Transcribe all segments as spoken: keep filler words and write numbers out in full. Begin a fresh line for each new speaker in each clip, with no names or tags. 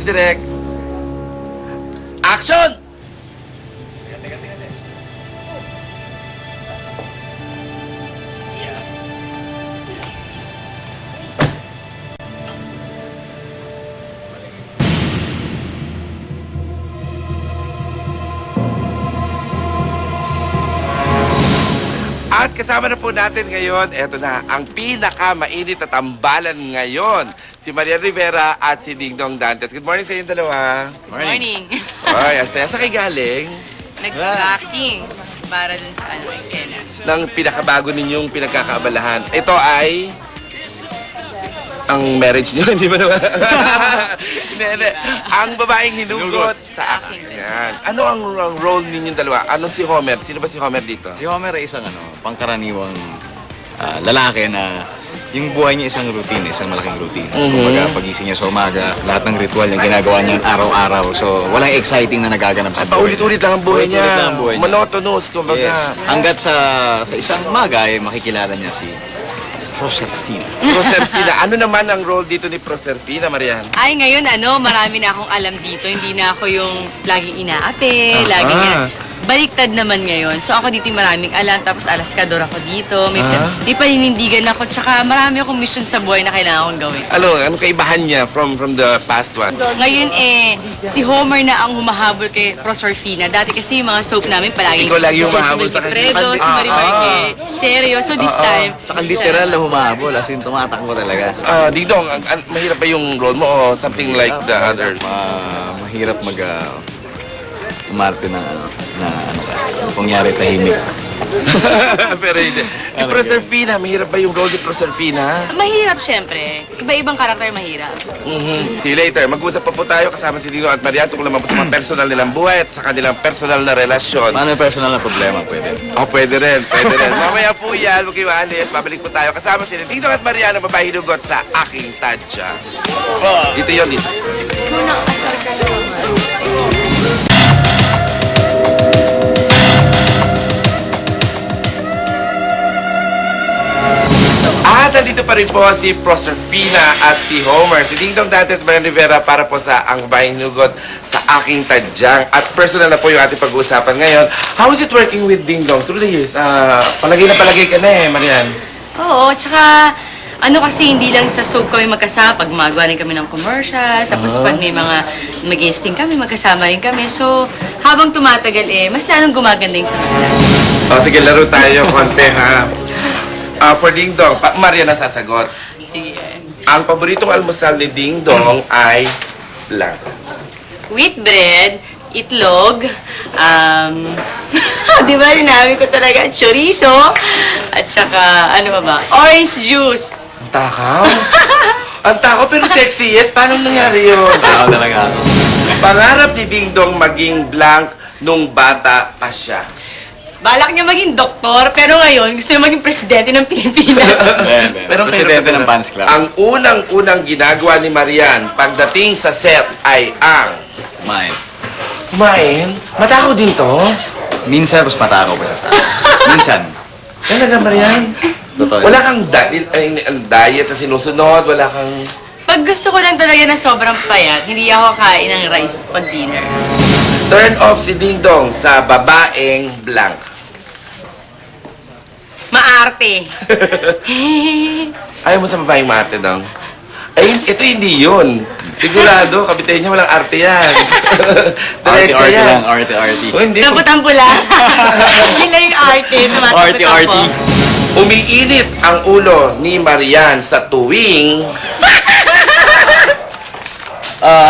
Direk. Action! At kasama na po natin ngayon, eto na, ang pinaka-mainit at tambalan ngayon, si Marian Rivera at si Dingdong Dantes. Good morning sa inyong dalawa.
Morning.
Ay, ang saya sa kay galing
Nag-acting para dun sa ano, eksena.
ng pinakabago ninyong pinagkakaabalahan. Ito ay ang marriage niyo, hindi ba naman? Hindi, hindi. Ang babaeng hinugot sa akin. Yan. Ano ang, ang role ninyong dalawa? Anong si Homer? Sino ba si Homer dito?
Si Homer ay isang ano, pangkaraniwang ah, lalaki na yung buhay niya isang routine, isang malaking routine.
Mhm.
Kumbaga, pagising niya sa umaga, lahat ng ritual yung ginagawa niya araw-araw. So, walang exciting na nagaganap sa buhay.
Paulit-ulit lang ang buhay niya.
Paulit-ulit lang ang buhay niya.
Monotonous, kumbaga.
Yes. Hanggat sa, sa isang umaga ay makikilala niya si Proserpina.
Proserpina. Ano naman ang role dito ni Proserpina, Marian?
Ay, ngayon ano, marami na akong alam dito. Hindi na ako yung laging inaapi, laging ina... Baliktad naman ngayon. So ako dito yung maraming alam, tapos alaskador ako dito. May,
Ah.
may paninindigan ako, tsaka marami akong mission sa buhay na kailangan kong gawin.
Ano, anong kaibahan niya from from the past one?
Ngayon eh, si Homer na ang humahabol kay Proserpina. Dati kasi yung mga soap namin palagi
Ikaw lagi yung humahabol sa
si
kanya.
Fredo, si
Ah,
Marimar
ah.
kay Seryo. So this
Ah, ah.
time,
Tsaka literal na humahabol, as in tumatakbo talaga.
Ah, Dingdong, ang, ang, mahirap ba yung role mo o something like the others?
Ma mahirap mag uh, umarte na ano, na ano ka, kungyari tahimik.
Pero hindi. Si Proserpina, mahirap ba yung role ni Proserpina?
mahirap syempre. Iba-ibang karakter mahirap.
Mhm. See you later. Mag-usap pa po tayo kasama si Dingdong at Marian tungkol naman po sa mga personal nilang buhay at sa kanilang personal na relasyon.
Paano yung personal na problema pwede?
Oh, pwede rin, pwede rin. Mamaya po yan, huwag kayo alis. Babalik po tayo kasama si Dingdong at Marian ang babae hinugot sa aking tadya. Dito yun, dito. At nandito pa rin po si Proserpina at si Homer. Si Dingdong Dantes, Marian Rivera para po sa ang babaeng hinugot sa aking tadyang. At personal na po yung ating pag-uusapan ngayon. How is it working with Dingdong through the years? Ah, palagay na palagay ka na eh, Marian.
Oo, tsaka ano kasi hindi lang sa soap kami magkasama, pag magawa rin kami ng commercials, tapos pag may mga mag-guesting kami, magkasama rin kami. So, habang tumatagal eh, mas lalong gumaganda yung sa kanila.
O, sige, laro tayo konti ha. Ah, for Dingdong, pa Marian ang sasagot.
Sige.
Ang paboritong almusal ni Dingdong ay blank.
Wheat bread, itlog, um, di ba, dinami ko talaga, chorizo, at saka, ano ba ba, orange juice.
Ang takaw? Ang takaw pero sexy, yes? Paano nangyari yun?
Tao talaga ako.
Pangarap ni Dingdong maging blank nung bata pa siya.
Balak niya maging doktor, pero ngayon, gusto niya maging presidente ng Pilipinas.
Pero presidente ng Fans Club.
Ang unang-unang ginagawa ni Marian pagdating sa set ay ang...
Kumain.
Kumain? Matakaw din to?
Minsan, mas matakaw pa siya sa akin. Minsan.
Talaga, Marian?
Totoo.
Wala kang di- ay, ay, diet na sinusunod, wala kang...
Pag gusto ko lang talaga na sobrang payat, hindi ako kain ng rice pag dinner.
Turn off si Dingdong sa babaeng blank.
Maarte.
Ayaw mo sa babaeng mate, Dong? Ay, ito hindi yun. Sigurado, kapitay niya walang arte yan. Diretso
Arty-arty
yan.
lang, arty-arty.
Oh, hindi.
Tapos ang pula. Yun lang yung arte. tumatapos
Arty-arty.
ako.
Umiinit ang ulo ni Marian sa tuwing...
Ah.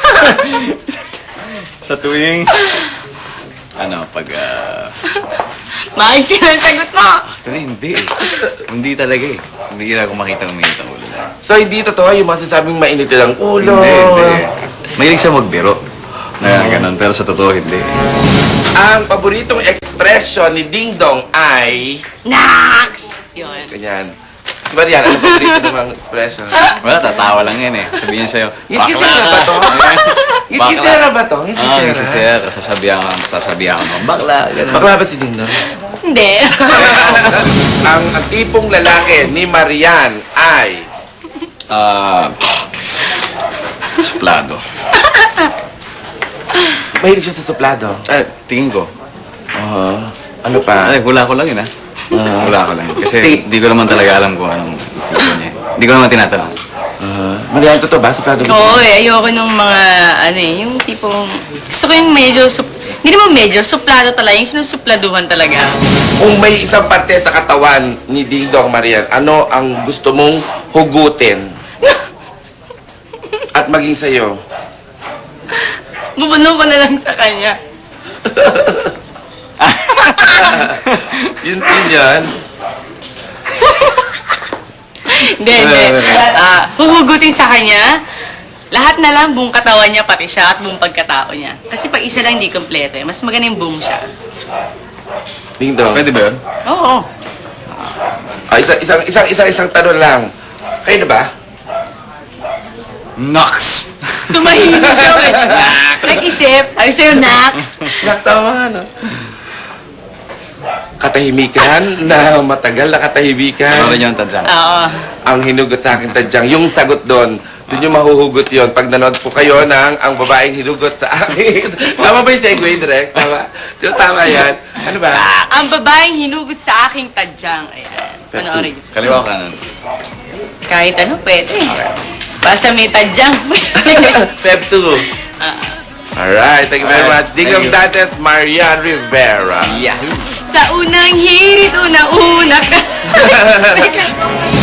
Sa tuwing... Ano, pag... ah,
Maayos yun ang sagot mo.
Actually, hindi eh. Hindi talaga eh. Hindi na ako makita uminit ang ulo.
So, hindi totoo yung masasabing mainit ang ulo.
Hindi, hindi. Mahilig siya magbiro. Na ganun, pero sa totoo, hindi.
Ang paboritong expression ni Dingdong ay...
Nax! Yun.
Ganyan. Si Marian, ano paborito namang expression?
Wala, tatawa lang yan eh. Sabihin niya sa'yo,
Ngiti-sera ba to? Ngiti-sera ba to?
Ah,
Ngiti-sera?
ngiti-sera. Sasabihan ko, sasabihan ko ng bakla. Ganun.
Bakla ba si Dingdong?
Hindi.
ang, ang tipong lalaki ni Marian ay...
Ah... suplado.
Mahilig siya sa suplado.
Ah, tingin ko.
Oo. Ano pa?
Ay, hula ko lang yun, ha? Hula ko lang. Kasi di ko naman talaga alam kung anong tipo niya. Di ko naman tinatanong.
Uh, Marian, totoo ba? Suplado mo?
Oo eh, ayoko nung mga, ano eh, yung tipong, gusto ko yung medyo, sup, hindi naman medyo, suplado talaga, yung sinusupladuhan talaga.
Kung may isang parte sa katawan ni Ding Dong Marian, ano ang gusto mong hugutin? At maging sa'yo?
Bubuno ko na lang sa kanya.
Yun din yan.
Hindi, hindi. Ah, huhugutin sa kanya, lahat na lang, buong katawan niya, pati siya, at buong pagkatao niya. Kasi pag isa lang, hindi kompleto eh. Mas maganda yung buong siya.
Ding Dong.
Pwede ba yun?
Oo.
Ah, isang, isang, isang, isang, isang tanong lang. Kayo na ba?
Nox!
Tumahimik daw eh. Nag-isip. Ay, sa'yo, Nax.
Nakatawa, no? Katahimikan na matagal na katahimikan.
Ano rin yung tadyang?
Oo.
Ang hinugot sa akin tadyang, yung sagot doon, doon yung mahuhugot yon pag nanood po kayo ng ang babaeng hinugot sa akin. Tama ba yung segue, Direk? Tama? Di ba tama yan? Ano ba?
Ang babaeng hinugot sa aking tadyang. Ayan. Panoorin niyo.
Kaliwa ka nun.
Kahit ano, pwede. Basta may tadyang.
Feb two. Alright, thank you very
Alright,
much. Ding
thank
Dong
you.
Dantes, Marian Rivera.
Yahoo!
Sa unang hirit, unang-una ka.